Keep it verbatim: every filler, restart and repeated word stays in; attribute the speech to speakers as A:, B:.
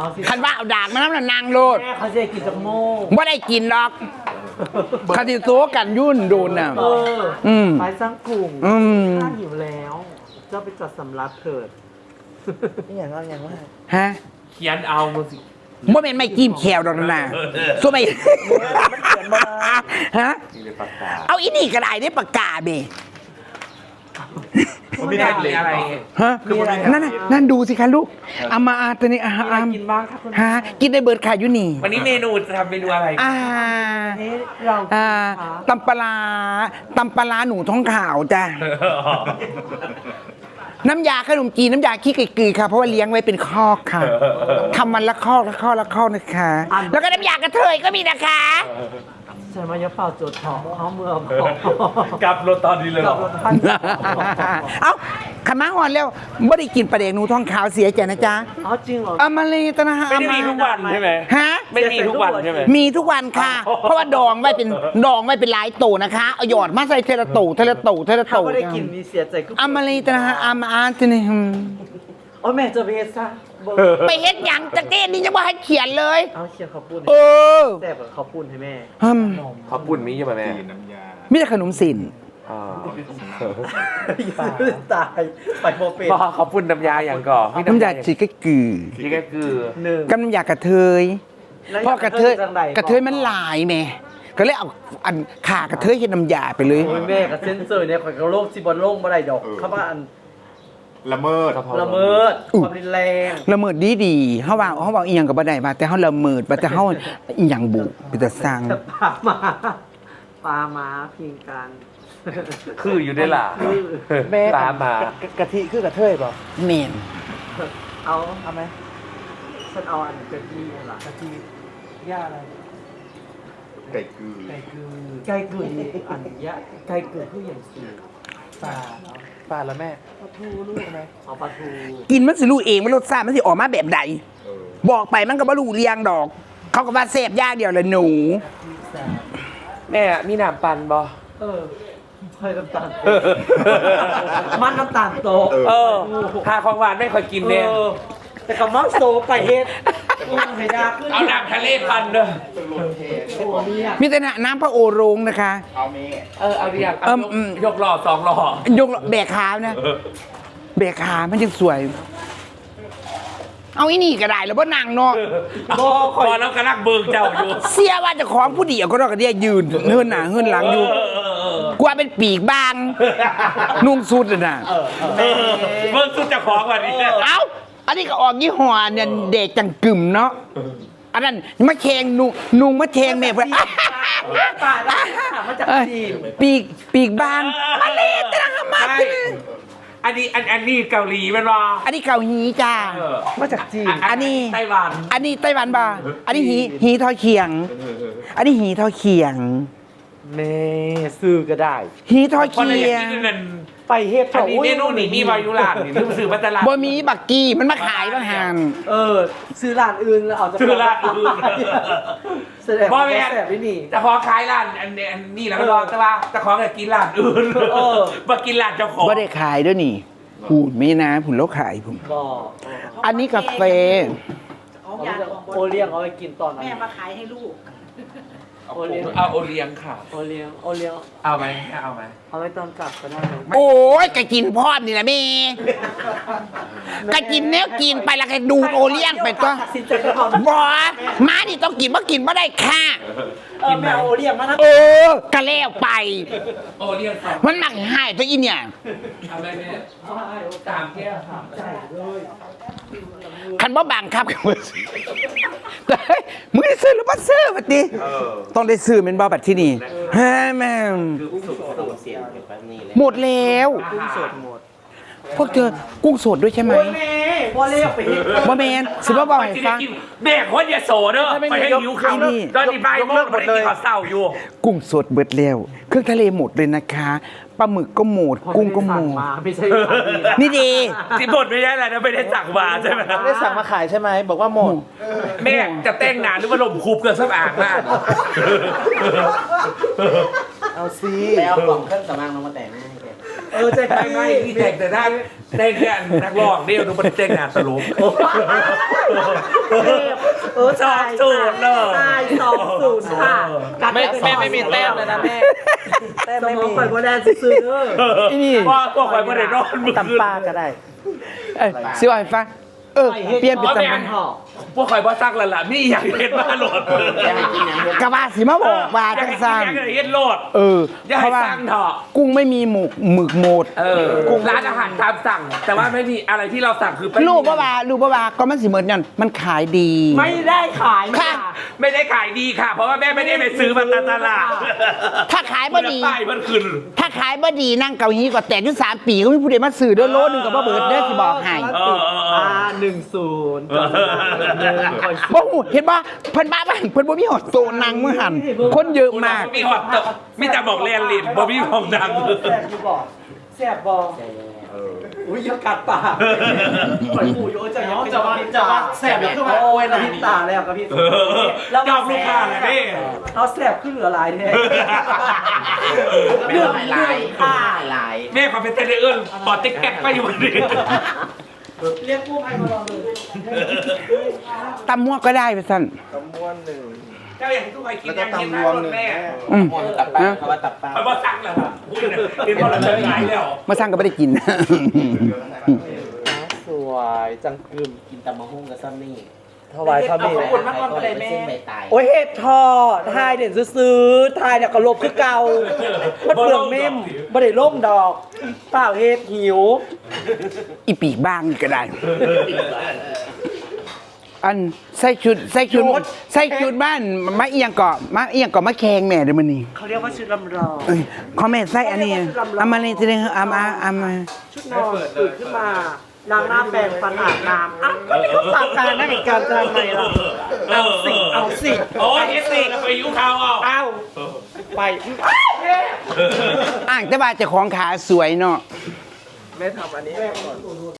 A: คันว่าเอาดากมาน้ำละนางโลด
B: แม่เขาจะกินจากโม่
A: ว่าได้กินหรอกคันที่ตัวกันยุ่นโดนน่ะ
B: เออ
A: อืม
B: ไปสร้างกลุ่ม
A: อืม
B: ข้าหิวแล้วเจ้าไปจัดสำรับเถิด
C: นี่อย่างเอาอย่างว่า
A: ฮะ
D: เขียนเอามาสิ
A: บ่เป็นไม่จิ้มแควดอกนะสู้ไม่ฮะเอาอีนี่ก็ได้ได้ปากกาเบ
D: มันไม่ได้เลยอะไร
A: ฮะนั่นน่ะนั่นดูสิคะลูกเอามาอาตัวนี้อา
B: มีอะไร
A: อาม
B: กินบ้างคะคุณ
A: ฮะกินได้เบิร์ดค่ะอยู่นี่
D: วันนี้เมนูจะทำเมนูอะไร
A: อ่า
B: นี่เรา
A: อ่า
B: คะ
A: ตำปลาตำปลาหนูท้องขาวจ้ะน้ำยาขนมจีนน้ำยาขี้ไก่กือค่ะเพราะว่าเลี้ยงไว้เป็นคอกค่ะทำมันละคอกละคอกละคอกนะคะ แล้วก็น้ำยากระเทยก็มีนะคะ
B: ใช่ไหมยะเป่าโจดทองเขาเมือง
D: กลับรถตอนนี้เลยเหร
B: กับ
D: อ
B: รถท่าน
A: เอ้าขมาหอนแล้วไม่ได้กินปลาเด็กหนูท้องขาวเสียใจนะจ๊ะ
B: อ๋อจริงเหรอ
A: เอามาเลยตนะฮะ
D: ไม่ได้มีทุกวันใช่ไหม
A: ฮะ
D: ไม่ได้มีทุกวันใช่ไหม
A: มีทุกวันค่ะ เพราะว่าดองไว้เป็นดองไว้เป็นหลายโตนะคะเอาหยอดมาใส่เทละโตเทละโตเทละ
B: เขา
A: โต
B: ไม่ได้กินมีเสียใจก็
A: เอามาเลยตนะฮะเอามาอ่านตัวนี้อืม
B: โอ้แม่จะไปเฮ็ดซะเบิ่ง
A: ไปเฮ็ดหยังจังเต้นนี่จะว่าให้เขียนเลย
B: เอาเชียร์ข้าวปุ้น
A: เออ
B: แซ่บกับข้าวปุ้นให้แม่
A: อืม
D: เขาปุ่นมีใช่ไหมแม่
A: มีแต่ขนมสิน
D: อ่า
B: ตายไปโมเป็น
D: พ่อเขาปุ่นน้ำยาอย่างก่อน
A: น้ำยาจีก็กือ
D: นี่ก็คือ
B: หนึ่ง
A: กับน้ำยากระเทยเพราะกระเทยกระเทยมันหลายแม่ก็เลยเอาอันขากระเทยเฮ็ดน้ำยาไปเลย
B: โอ้ยแม่กับเซนเซอร์เนี่ยข่อยกับโลกสิบอลโลกบ่ได้ดอกเขาว่าอัน
E: ละเมิด
B: ละเมิดความรุนแรง
A: ละเมิดดีดีๆเฮาว่าเฮาว่าอีหยังก็บ่ได้ว่าแต่เฮาละเมิดว่าแต่เฮาอีหยังบุเป็นตาสร้าง
B: ปลามาปลามาพิงกัน
D: คืออยู่ได้ล่ะ
C: แม่
D: ตามมา
C: กะทิคือกระเทยเปล่า
A: แม่น
B: เอา
C: เอาไหม
B: ฉันเอาอันกะทิล่ะกะทิย่าอะไร
E: ไก่กือ
B: ไก่กือไก่กือนี่อันยะไก่กือคืออย่างสูงปลาเนาะ
C: ปลาแล้วแม่ปลาทูลูกไหม
B: เอาปลาทู
A: กินมันสิรู้เองว่ารสชาติมันสิออกมาแบบใด
E: เออ
A: บอกไปมันก็บ่รู้เรียงดอก เขาก็ว่าแซ่บอย่างเดียวละหนู
D: แม่มีน้ำปั่นบ่
B: เออเคยน้ำตาลโตมันน้ำตาลโต
D: เออหาของหวานไม่ค่อยกินเนี่ย
B: เออแต่กับมักโซไปเฮ็ดอืมให้ดาขึ้น
D: เอาน้ำทะเลปั่นเด้อ
B: โอ้เนี่ย
A: มีแต่น้ำพระโอโรงนะคะ
E: เอาเม
D: เออเอาเรียก
A: เอิ่มอืม
D: ยกหล่อสองหล่อย
A: กแบกขานะแบกขามันยังสวย เอาอีนี่ก็ได้แล้วบ่นางเนาะ
D: บ่คอยแล้วกำลังเบิ่งเจ้าอยู่
A: เสียว่าเจะของผู้เดียวก็รอกระเดียยืนเฮือนหน้าเฮือนหลังอยู่
D: เออเออเออก
A: ว่าเป็นปีกบาง นุ่งสุดน่ะ
D: เออเบิ่งสุดเจะของวันนี้
A: เอ้า อันนี้ก็ออกยี่ห้อเนี่ยเด็กจังกึ่มเนาะ อันนั้นมะเชงนุงนุงมะเชงแม่เพื่อน
B: ปลาได้มาจากจีน
A: ปีกปีกบางมาเลยตระหำมา
D: ใช่อันนี้อันอันนี้เกาหลีแมันบ่
A: อันนี้เกาหีจ้า
D: เออ
C: มาจากจีน
A: อันนี้
D: ไต้หวัน
A: อันนี้ไต้หวันบ่าอันนี้หีหีทอเขียง อันนี้หีทอเขียง
C: แม่ซื้อก็ได้
A: หีทอ
D: คน
A: เขี
D: ละอย ย่าง
A: ง
D: นี้นั่น
C: ไปเฮ็ด
D: อันนี้เมนูนี่มีวายุลานนี่ลืมซื้อมาตลาด
A: บ่มีบักกี้มันมาขายบ้างหัน
B: เออ ซื้อร้านอื่นแล้วเอาจาก
D: ซื้อร้านอื่น
B: แสดง
D: บ่
B: ว่า
D: แม่
B: แสบไม่นี่
D: จะขอขายร้านอันนี้อันนี้แล้วก็รอแต่ว่าจะขอกินร้านอื่น
B: เออ
D: มากินร้านเจ้าของ
A: บ่ได้ขายด้วยนี่พูดไม่นะผุนแล้วขายผม
B: บอก
A: อันนี้กาแฟ
B: เอาจะโอเลี้ยงเอาไปกินตอนนั้น
F: แม่มาขายให้ลูก
B: โอเลี้ยง
D: เอาโอเลี้ยงค่ะ
B: โอเลี้ยงโอเลี้ยง
D: เอาไหมเอาไหม
B: เอาไว้ตอนกลับก็ได้นะ
A: โอ้ยกะกินพร้อมนี่แหละแม่กะกินแนวกินไปแล้วก็ดูดโอเลี้ยงไปตัว
B: ตัดสินใจก็เอา
A: บ่ม้านี่ต้องกินบ่กินบ่ได้ค่ะ
B: เออแม่เอาโอเลี้ยงมานะ
A: เออกะแล้วไป
D: โอเลี้ยงสอง
A: มันมักหายตัวอีเนี่ย
D: เอาไหมแม่สามแก้วค่ะ
B: ใช่เลย
A: คันบ่บังคับกันบ่ซื้อแต่เฮ้ยมึงได้ซื้อหรือบ่ซื้อบัดนี้ต้องได้ซื้อแม่นบ่บัดที่นี่ฮะแม่งหมดแล้ว
B: กุ้งสดหมด
A: พวกเธอกุ้งสดด้วยใช่ไหม
B: โอ้ยแม่โอเลี้ยงไปเฮ็ด
A: บ่แม่นสิบ่บอกให้ฟัง
D: แม่คนอย่าโสเด้อไปให้หิวข้าว
A: นี่
D: ตอนนี้บ่ายโมงมันได้กินข้าวเศร้าอยู่
A: กุ้งสดเบิดแล้วเครื่องทะเลหมดเลยนะคะปลาหมึกก็หมดกุ้งก็หมด
B: มาไม่ใช่สามีะ
A: นี่ดี
D: สิบทไม่ได้อะไรนะไม่ได้สั่งมาใช่ไหม
C: ไม่ได้สั่งมาขายใช่ไหมบอกว่าหมด
D: แม่จะแต่งหนาหรือว่าลมคูบเกินสักอ่างมาก
C: เอาซี
G: แล้วกล่องเครื่องสำอางลงมาแต่งให้แก
B: เออใจ
D: ไม่
B: พี่
D: ไม่ที่แต่งแต่หน้าเต้นแค่นักร้องเดียวดูมันเต้นงานตลก
B: เออ
D: สองศูนย์เลย
B: ตายสองศูนย์ค่ะ
C: ไม่แม่ไม่มีแต้มเลยนะแม่แต้ม
B: ส
C: ไม่
B: มอ
C: มี
B: งข่อยโบแดนซื้อๆเด้อ
A: อีนี่
D: ว่าพวกข่อยไม่ได้นอนมือ
C: ตำปลาก็ได้
A: เอ้ยสิว่าให้ฟังเออเปลี่ยนเป็น
D: เอา
A: ตำ
D: แม่
A: นาน
B: ห่อ
D: พวกข่อยบ่ซักแล้วล่ะมีอยากเห็นบ้าโหลด
A: กะว่าสิมาบอกว่า
D: อยาก
A: จัง
D: เห็น
A: ซั่น
D: อยากเห็นโหลด
A: เออ
D: อย่า
A: เพ
D: ให้
A: ราะว่า
D: สั่งเถอะ
A: กุ้งไม่มีหมึกหมึกโหมด
D: เออร้านอาหารตามสั่ง แต่ว่าไม่มีอะไรที่เราสั่งคือไม่มี
A: รู้ป่ะว่ารู้ป่ะว่าก็มันสิเหมือนกันมันขายดี
B: ไม่ได้ขาย
A: ค่ะ
D: ไม่ได้ขายดีค่ะ เพราะว่าแม่ไม่ได้ไปซื้อมาตามตลาด
A: ถ้าขายบ่ดี
D: ป้ายมันขึ้น
A: ถ้าขายบ่ดีนั่งเกาหลีก็แตกอยู่สามปีก็มีผู้ใดมาซื้อเด้อโลนึงก็บ่เบิดเด้อสิบอกให้
D: เออเออเออ
B: อ่าหนึ่งศูนย์ก่อนหนึ่งคอย
A: บ่ฮู้เห็นบ่เพิ่นบ้าบ้านเพิ่นบ่มีหอดโซนนางมื้อหันคนเยอะมาก
D: มีหอดตกมีแต่บอกเรียนลินบ่มีของดัง
B: แสบอยู่บอกแสบบอกอุ้ยยังกัดปากข่อยปู่โยจะย้อนจะว่าจะว่าแสบขึ้นมาโอ้ยเราพิษตาแล้วกับพี่
D: เออจอบลูกค้าเลยนี่
B: เอาแสบขึ้นเหลือลายแท้
D: เรื่อง
B: ลายค่ะ
D: แม่ขอเป็นเต้นเอื้อนปอดติ๊กแก๊กไปอยู่วันนี้
B: เรียกกู้ภัยมาลองเลย
A: ตำมั่วก็ได้ไปซั่น
D: เจ้าอย่างที่ทุกคนกินยังกินได้หมดแม่
A: อืมนะ
D: มันบ่สั่งแล้วพูดเลยกินพอเราเลิกขายแล้ว
A: มาสร้างก็ไม่ได้กิน
C: สวยจังกึม
F: กินตำมะฮุ่งกับซัมนี่
C: ถวายพระเม
B: ขอบ
C: รุ
B: คุณมากก่อนเลยแม่
F: เส้นใบตาย
B: โอ้ยเห็ดทอทายเด่นซื้อๆทายเนี่ยก็ลบคือเก่ามันเปลืองเมมบ่ได้ล่มดอกเปล่าเห็ดหิว
A: อีปีกบ้างนี่ก็ได้ อันใส่ชุดใส่ชุดใส่ชุดบ้านมาเอียงเกาะมาเอียงเกาะมาแขงแม่เดี๋ยวมันนี่
B: เขาเรียกว่าชุดลำลอง
A: เอ้ยขอแม่ใส่อันนี้เอามาเลยทีนึงเอามาเอามา
B: ชุดนอนตื่นขึ้นมาล้างหน้าแปรงฟันอาบน้ำอ่ะก็ไม่ต้องตามการนั่นอีกการจะทำไมล่ะเอาสิเอาสิ
D: โอ้ยเอสซีไปยุ่งเขาเอา
B: เอาไป
A: อ่างแต่ว่าเจ้าของขาสวยเนาะ
B: แม่ทำอันนี้ให้ก่อน